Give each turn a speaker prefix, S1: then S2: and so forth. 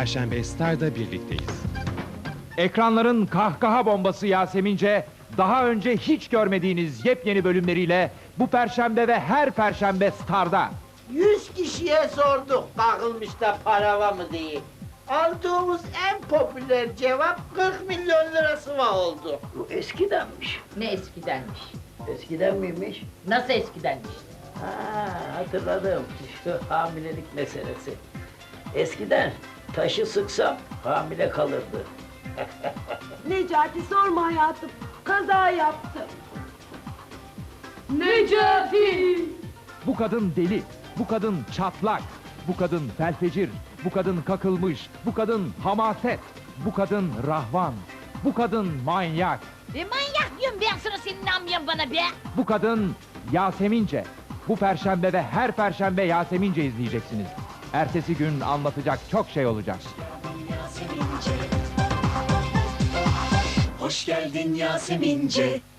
S1: Perşembe Star'da birlikteyiz.
S2: Ekranların kahkaha bombası Yasemince, daha önce hiç görmediğiniz yepyeni bölümleriyle bu perşembe ve her perşembe Star'da.
S3: 100 kişiye sorduk takılmış da para var mı diye. Aldığımız en popüler cevap 40 milyon lirası var oldu.
S4: Bu eskidenmiş.
S5: Ne eskidenmiş?
S4: Eskiden miymiş?
S5: Nasıl eskidenmiş?
S4: Ha, hatırladım. Şu hamilelik meselesi. Eskiden taşı sıksam hamile kalırdı.
S6: Necati sorma hayatım. Kaza yaptım.
S2: Bu kadın deli, bu kadın çatlak, bu kadın felfecir, bu kadın kakılmış, bu kadın hamaset, bu kadın rahvan, bu kadın manyak,
S5: Manyak diyorum ben sana, senin inanmayan bana be!
S2: bu kadın Yasemince. Bu perşembe ve her perşembe Yasemince izleyeceksiniz. Ertesi gün anlatacak çok şey olacak.
S7: Hoş geldin Yasemince.